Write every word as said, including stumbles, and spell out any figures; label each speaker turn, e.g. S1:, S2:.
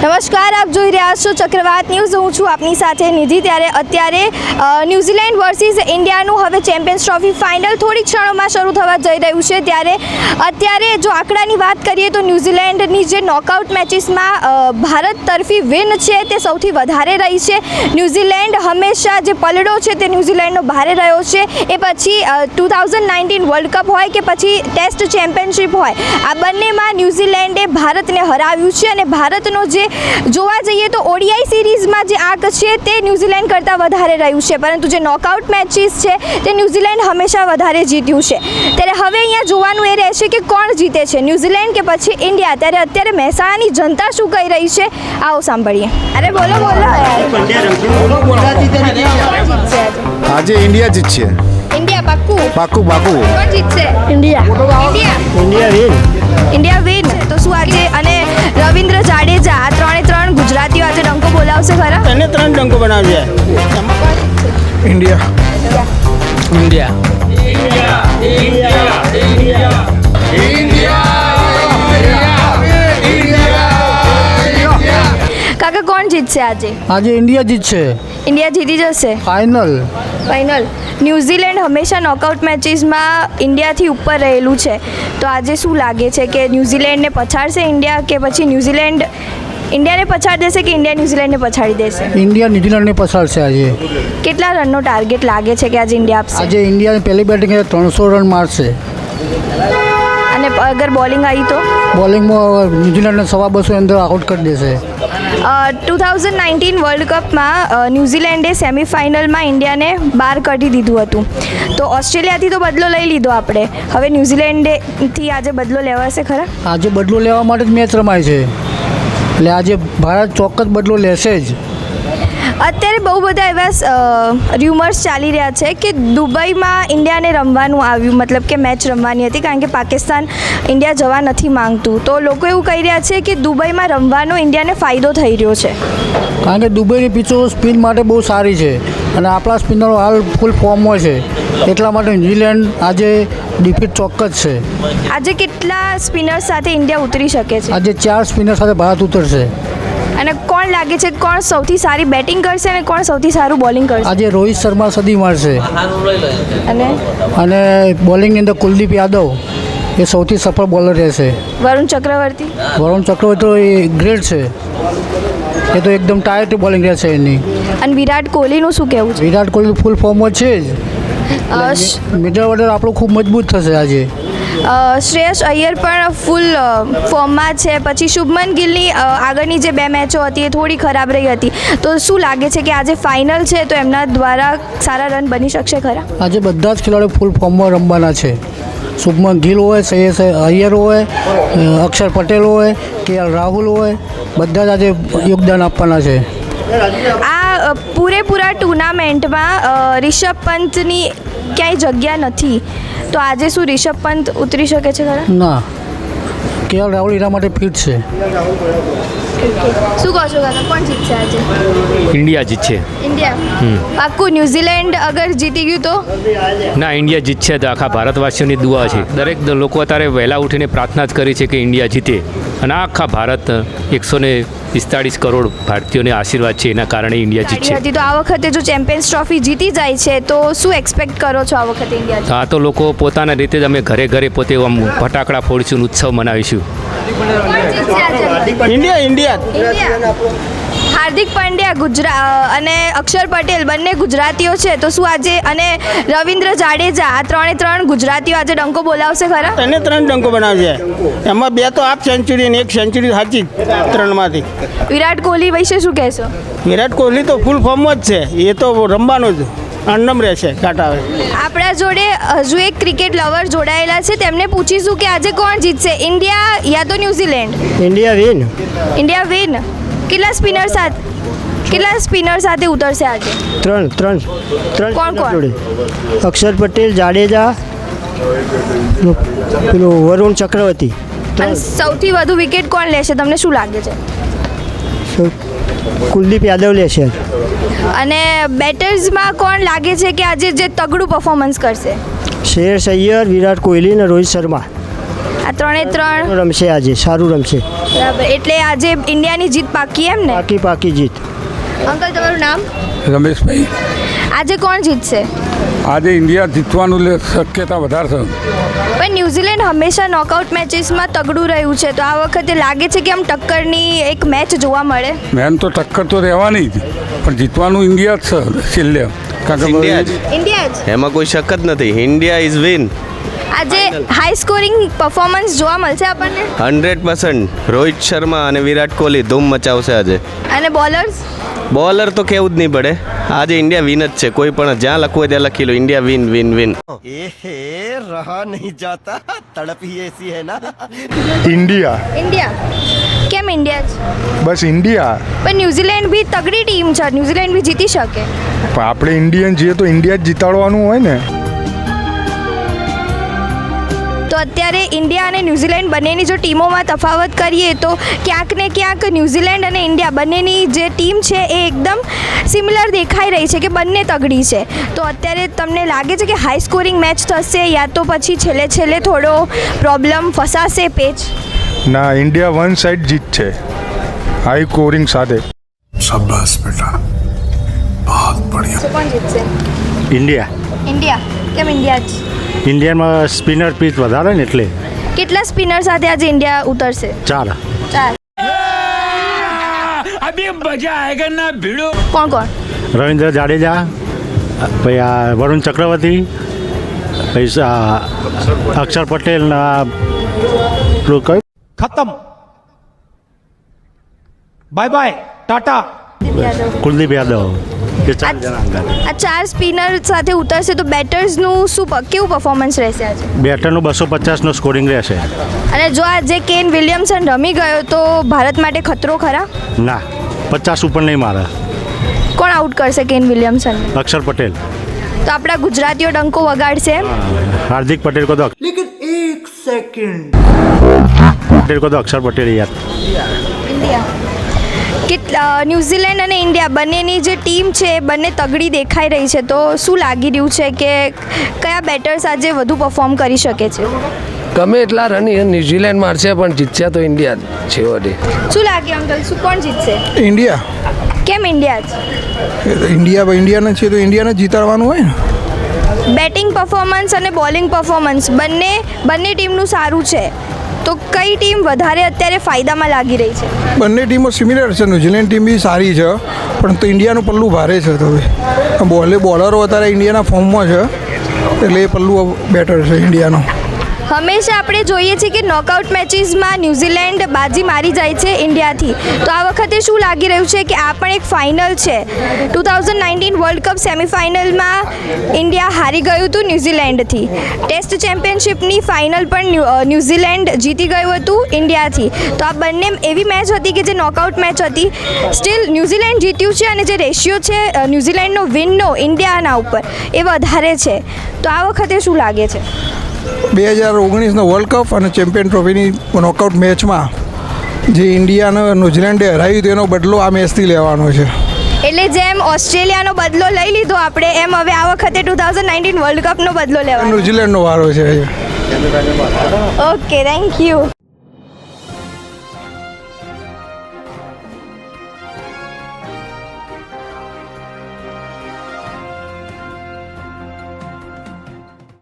S1: નમસ્કાર, આપ જોઈ રહ્યા છો ચક્રવાત ન્યૂઝ. હું છું આપની સાથે નિધિ. ત્યારે અત્યારે ન્યૂઝીલેન્ડ વર્સિસ ઇન્ડિયાનું હવે ચેમ્પિયન્સ ટ્રોફી ફાઇનલ થોડી ક્ષણોમાં શરૂ થવા જઈ રહ્યું છે. ત્યારે અત્યારે જો આંકડાની વાત કરીએ તો ન્યૂઝીલેન્ડની જે નોકઆઉટ મેચીસમાં ભારત તરફી વિન છે તે સૌથી વધારે રહી છે. ન્યૂઝીલેન્ડ હંમેશા જે પલડો છે તે ન્યૂઝીલેન્ડનો ભારે રહ્યો છે. એ પછી two thousand nineteen world cup હોય કે પછી ટેસ્ટ ચેમ્પિયનશિપ હોય, આ બંનેમાં ન્યૂઝીલેન્ડે ભારતને હરાવ્યું છે. અને ભારતનો જે જોવા જઈએ તો ઓડીઆઈ સિરીઝમાં જે આંક છે તે ન્યૂઝીલેન્ડ કરતાં વધારે રહ્યું છે, પરંતુ જે નોકઆઉટ મેચીસ છે તે ન્યૂઝીલેન્ડ હંમેશા વધારે જીત્યું છે. ત્યારે હવે અહીંયા જોવાનું એ રહેશે કે કોણ જીતે છે, ન્યૂઝીલેન્ડ કે પછી ઇન્ડિયા. ત્યારે અત્યારે મહેસાણાની જનતા શું કહી રહી છે, આવો સાંભળીએ. અરે બોલો બોલો
S2: આજે ઇન્ડિયા જીતશે.
S1: ઇન્ડિયા પાક્કું
S2: પાક્કું પાક્કું
S1: કોણ જીતશે?
S3: India
S1: India
S3: India win
S1: India win. તો શું આજે અને રવિન્દ્ર જાડેજા આ ત્રણે ત્રણ ગુજરાતીઓ આજે ડંકો બોલાવશે ખરા?
S3: એને ત્રણ ડંકો બનાવશે.
S2: ઇન્ડિયા
S3: ઇન્ડિયા
S1: કાકા કોણ જીતશે આજે?
S3: આજે ઇન્ડિયા જીતશે
S1: ઇન્ડિયા જીતી જશે
S3: ફાઇનલ.
S1: ફાઇનલ. ન્યૂઝીલેન્ડ હંમેશા નોકઆઉટ મેચીસમાં ઇન્ડિયાથી ઉપર રહેલું છે, તો આજે શું લાગે છે કે ન્યૂઝીલેન્ડને પછાડશે ઇન્ડિયા કે પછી ન્યૂઝીલેન્ડ ઇન્ડિયાને પછાડી દેશે કે ઇન્ડિયા ન્યૂઝીલેન્ડને પછાડી દેશે?
S3: ઇન્ડિયા ન્યુઝીલેન્ડને પછાડશે આજે.
S1: કેટલા રનનો ટાર્ગેટ લાગે છે કે આજે ઇન્ડિયા આપશે?
S3: આજે ઇન્ડિયાની પહેલી બેટિંગ ત્રણસો રન મારશે.
S1: અને અગર બોલિંગ આવી તો
S3: બોલિંગમાં ન્યુઝીલેન્ડને સવા બસો અંદર આઉટ કરી દેશે.
S1: ટુ થાઉઝન્ડ નાઇન્ટીન વર્લ્ડ કપમાં ન્યૂઝીલેન્ડે સેમિફાઇનલમાં ઇન્ડિયાને બહાર કાઢી દીધું હતું. તો ઓસ્ટ્રેલિયાથી તો બદલો લઈ લીધો આપણે, હવે ન્યૂઝીલેન્ડથી આજે બદલો લેવાશે ખરા?
S3: આજે બદલો લેવા માટે જ મેચ રમાય છે, એટલે આજે ભારત ચોક્કસ બદલો લેશે જ.
S1: અત્યારે બહુ બધા એવા ર્યુમર્સ ચાલી રહ્યા છે કે દુબઈમાં ઇન્ડિયાને રમવાનું આવ્યું, મતલબ કે મેચ રમવાની હતી, કારણ કે પાકિસ્તાન ઇન્ડિયા જવા નથી માંગતું. તો લોકો એવું કહી રહ્યા છે કે દુબઈમાં રમવાનો ઇન્ડિયાને ફાયદો થઈ રહ્યો છે,
S3: કારણ કે દુબઈની પિચો સ્પિન માટે બહુ સારી છે અને આપણા સ્પિનરો હાલ ફૂલ ફોર્મમાં છે, એટલા માટે ન્યૂઝીલેન્ડ આજે ડિફીટ ચોક્કસ છે.
S1: આજે કેટલા સ્પિનર્સ સાથે ઇન્ડિયા ઉતરી શકે છે?
S3: આજે ચાર સ્પિનર સાથે ભારત ઉતરશે.
S1: અને કોણ લાગે છે કોણ સૌથી સારી બેટિંગ કરશે અને કોણ સૌથી સારું બોલિંગ કરશે?
S3: આજે રોહિત શર્મા સદી મારશે
S1: અને
S3: અને બોલિંગની અંદર કુલદીપ યાદવ એ સૌથી સફળ બોલર રહેશે.
S1: વરુણ ચક્રવર્તી
S3: વરુણ ચક્રવર્તી તો એ ગ્રેટ છે, એ તો એકદમ ટાયર્ડ બોલિંગ રહેશે એની.
S1: અને વિરાટ કોહલીનું શું કહેવું છે?
S3: વિરાટ કોહલી ફૂલ ફોર્મમાં છે જ,
S1: અ,
S3: મિડલ ઓર્ડર આપણું ખૂબ મજબૂત થશે આજે.
S1: અ, શ્રેયસ અય્યર પણ ફૂલ ફોર્મમાં છે. પછી શુભમન ગિલની અ, આગળની જે બે મેચો હતી એ થોડી ખરાબ રહી હતી. તો શું લાગે છે કે આજે ફાઇનલ છે તો એમના દ્વારા સારા રન બની શકશે ખરા?
S3: આજે બધા જ ખેલાડીઓ ફૂલ ફોર્મમાં રમવાના છે. શુભમન ગિલ હોય, શ્રેયસ અય્યર હોય, અક્ષર પટેલ હોય, કે એલ રાહુલ હોય, બધા જ આજે યોગદાન આપવાના છે.
S1: આ અ, પૂરેપૂરા ટુર્નામેન્ટમાં અ, રિષભ પંતની ક્યાંય જગ્યા નથી, તો આજે શું રિષભ પંત ઉતરી શકે છે ખરા?
S3: ના, કે એલ રાહુલ એના માટે ફિટ છે.
S1: શું કહો છો કાકા, કોણ જીતશે આજે?
S4: ઇન્ડિયા જીતશે.
S1: ઇન્ડિયા પાક્કું. ન્યૂઝીલેન્ડ અગર જીતી ગયું તો?
S4: ના, ઇન્ડિયા જીતશે તો આખા ભારતવાસીઓની દુઆ છે. દરેક દ- લોકો અત્યારે વહેલા ઉઠીને પ્રાર્થના જ કરી છે કે ઇન્ડિયા જીતે, અને આખા ભારત એકસો ને પિસ્તાળીસ કરોડ ભારતીયોને આશીર્વાદ છે, એના કારણે ઇન્ડિયા જીતશે.
S1: હતી તો આ વખતે જો ચેમ્પિયન્સ ટ્રોફી જીતી જાય છે તો શું એક્સપેક્ટ કરો છો આ વખતે ઇન્ડિયા?
S4: તો આ તો લોકો પોતાના રીતે જ અમે ઘરે ઘરે પોતે આમ ફટાકડા ફોડીશું, ઉત્સવ મનાવીશું.
S3: India India
S1: India. Hardik Pandya Gujarat અને અક્ષર પટેલ બંને ગુજરાતીઓ છે, તો શું આજે અને રવિન્દ્ર જાડેજા આ ત્રણે ત્રણ ગુજરાતીઓ આજે ડંકો બોલાવશે ખરા?
S3: એને ત્રણ ડંકો બનાવશે. એમાં બે તો હાફ સેન્ચુરી અને એક સેન્ચુરી સાચી ત્રણમાંથી.
S1: વિરાટ કોહલી વિશે શું કહેશો?
S3: વિરાટ કોહલી તો ફૂલ ફોર્મમાં જ છે, એ તો રમવાનું જ અન્નમ રહેશે કાંટાવે.
S1: આપણા જોડે હજુ એક ક્રિકેટ લવર જોડાયેલા છે, તેમને પૂછીશું કે આજે કોણ જીતશે, ઇન્ડિયા યા તો New Zealand?
S3: India win.
S1: India win. કેટલા સ્પિનર સાથે કેટલા સ્પિનર સાથે ઉતરશે આજે?
S3: ત્રણ ત્રણ ત્રણ
S1: કોણ કોણ?
S3: જોડે અક્ષર પટેલ, જાડેજા, પેલું વરુણ ચક્રવર્તી.
S1: અને સૌથી વધુ વિકેટ કોણ લેશે, તમને શું લાગે છે?
S3: કુલદીપ યાદવ લેશે.
S1: અને બેટર્સમાં કોણ લાગે છે કે આજે જે તગડું પરફોર્મન્સ કરશે?
S3: શ્રેયસ અય્યર, વિરાટ કોહલી અને રોહિત શર્મા.
S1: આ ત્રણે ત્રણ
S5: રમશે આજે સારું રમશે
S1: બરાબર, એટલે આજે ઇન્ડિયાની જીત પાકી એમ ને?
S5: પાકી પાકી જીત.
S1: અંકલ તમારું નામ?
S6: રમેશભાઈ,
S1: આજે કોણ જીતશે?
S6: આજે ઇન્ડિયા જીતવાનું લે- શક્યતા વધારે છે.
S1: પણ ન્યુઝીલેન્ડ હંમેશા નોકઆઉટ મેચીસમાં તગડું રહ્યું છે, તો આ વખતે લાગે છે કે આમ ટક્કરની એક મેચ જોવા મળે?
S6: મેન તો ટક્કર તો રહેવાની જ, પણ જીતવાનું ઇન્ડિયા જ છે છેલ્લે. કારણ
S7: ઇન્ડિયા જ.
S6: કે
S1: ઇન્ડિયા જ
S7: એમાં કોઈ શક જ નથી. ઇન્ડિયા ઇઝ વિન
S1: આજે હાઈ સ્કોરિંગ પરફોર્મન્સ જોવા મળશે આપણને,
S7: હંડ્રેડ પર્સન્ટ. રોહિત શર્મા અને વિરાટ કોહલી ધૂમ મચાવશે આજે.
S1: અને બોલર્સ
S7: બોલર તો કેવું જ નહીં પડે. આજે ઇન્ડિયા વિન જ છે. કોઈ પણ જ્યાં લખવું હોય ત્યાં લખી લો, ઇન્ડિયા વિન વિન વિન.
S8: रहा नहीं जाता तड़प ही ऐसी है ना.
S2: India
S1: India. કેમ ઇન્ડિયા જ?
S2: બસ ઇન્ડિયા.
S1: પણ ન્યુઝીલેન્ડ બી તગડી ટીમ છે, ન્યુઝીલેન્ડ બી જીતી શકે.
S2: પણ આપણે ઇન્ડિયન છીએ તો ઇન્ડિયા જ જીતાડવાનું હોય ને.
S1: તો અત્યારે ઇન્ડિયા અને ન્યુઝીલેન્ડ બંનેની જો ટીમોમાં તફાવત કરીએ તો ક્યાંક ને ક્યાંક ન્યુઝીલેન્ડ અને ઇન્ડિયા બંનેની જે ટીમ છે એ એકદમ સિમિલર દેખાઈ રહી છે કે બંને તગડી છે. તો અત્યારે તમને લાગે છે કે હાઈ સ્કોરિંગ મેચ થશે, યા તો પછી છેલ્લે છેલ્લે થોડો પ્રોબ્લેમ ફસાશે પેચ?
S2: ના, ઇન્ડિયા વન સાઇડ જીત છે હાઈ સ્કોરિંગ સાથે.
S6: શાબાશ બેટા, બહુત બઢિયા.
S1: કોણ જીતશે?
S3: India
S1: India. કેમ ઇન્ડિયા જ?
S3: ઇન્ડિયામાં સ્પિનર પીચ વધારે ને એટલે
S1: કેટલા સ્પિનર સાથે આજે ઇન્ડિયા ઉતરશે?
S3: ચાર.
S1: ચાર. કોણ કોણ?
S3: રવિન્દ્ર જાડેજા, પછી આ વરુણ ચક્રવર્તી, પછી આ અક્ષર પટેલ ને આ પેલું કયું
S9: खत्म bye bye tata
S3: Kuldeep Yadav. એ ચાર જણા અંદર.
S1: આ ચાર સ્પિનર સાથે ઉતરશે તો બેટર્સનું શું પ- કેવું પરફોર્મન્સ રહેશે આજે?
S3: બેટરનું બસો પચાસનો સ્કોરિંગ રહેશે.
S1: અને જો આજે કેન વિલિયમસન રમી ગયો તો ભારત માટે ખતરો ખરા?
S3: ના, પચાસ ઉપર નહીં મારે.
S1: કોણ આઉટ કરશે કેન વિલિયમસન?
S3: અક્ષર પટેલ.
S1: તો આપણા ગુજરાતીઓ ડંકો વગાડશે એમ?
S3: हार्दिक पटेल को तो
S8: लेकिन एक सेकंड
S3: पटेल को तो अक्षर पटेल यार.
S1: ઇન્ડિયા. કેટલા ન્યુઝીલેન્ડ અને ઇન્ડિયા બંનેની જે ટીમ છે એ બંને તગડી દેખાઈ રહી છે, તો શું લાગી રહ્યું છે કે કયા બેટર્સ આજે વધુ પરફોર્મ કરી શકે છે?
S10: ગમે એટલા રન ન્યુઝીલેન્ડ મારશે પણ જીતશે તો ઇન્ડિયા જ છે વળી.
S1: શું લાગે અંકલ, શું કોણ જીતશે?
S2: ઇન્ડિયા.
S1: કેમ ઇન્ડિયા જ?
S2: ઇન્ડિયા ઇન્ડિયાને છે તો ઇન્ડિયાને જીતાડવાનું હોય ને.
S1: બેટિંગ પરફોર્મન્સ અને બોલિંગ પરફોર્મન્સ બંને બંને ટીમનું સારું છે, તો કઈ ટીમ વધારે અત્યારે ફાયદામાં લાગી રહી છે?
S2: બંને ટીમો સિમિલર છે. ન્યુઝીલેન્ડ ટીમ બી સારી છે, પણ તો ઇન્ડિયાનું પલ્લું ભારે છે. તો હવે બોલે બોલરો અત્યારે ઇન્ડિયાના ફોર્મમાં છે, એટલે એ પલ્લું બેટર છે ઇન્ડિયાનો.
S1: હંમેશા આપણે જોઈએ છીએ કે નોકઆઉટ મેચીસમાં ન્યુઝીલેન્ડ બાજી મારી જાય છે ઇન્ડિયાથી, તો આ વખતે શું લાગી રહ્યું છે કે આ પણ એક ફાઇનલ છે? Two thousand nineteen world cup સેમિફાઇનલમાં ઇન્ડિયા હારી ગયું હતું ન્યુઝીલેન્ડથી. ટેસ્ટ ચેમ્પિયનશિપની ફાઇનલ પણ ન્યૂ- ન્યુઝીલેન્ડ જીતી ગયું હતું ઇન્ડિયાથી. તો આ બંને એવી મેચ હતી કે જે નોકઆઉટ મેચ હતી, સ્ટીલ ન્યુઝીલેન્ડ જીત્યું છે, અને જે રેશિયો છે અ, ન્યુઝીલેન્ડનો વિનનો ઇન્ડિયાના ઉપર એ વધારે છે. તો આ વખતે શું લાગે છે?
S2: બે હજાર ઓગણીસનો વર્લ્ડ કપ અને ચેમ્પિયન ટ્રોફીની નોકઆઉટ મેચમાં જે ઇન્ડિયાને ન્યુઝીલેન્ડે હરાવ્યું તેનો બદલો આ મેચથી લેવાનો છે.
S1: એટલે જેમ ઓસ્ટ્રેલિયાનો બદલો લઈ લીધો આપણે, એમ હવે આ વખતે ટુ થાઉઝન્ડ નાઇન્ટીન વર્લ્ડ કપનો બદલો લેવાનો.
S2: ન્યુઝીલેન્ડનો વારો છે.
S1: Okay, thank you.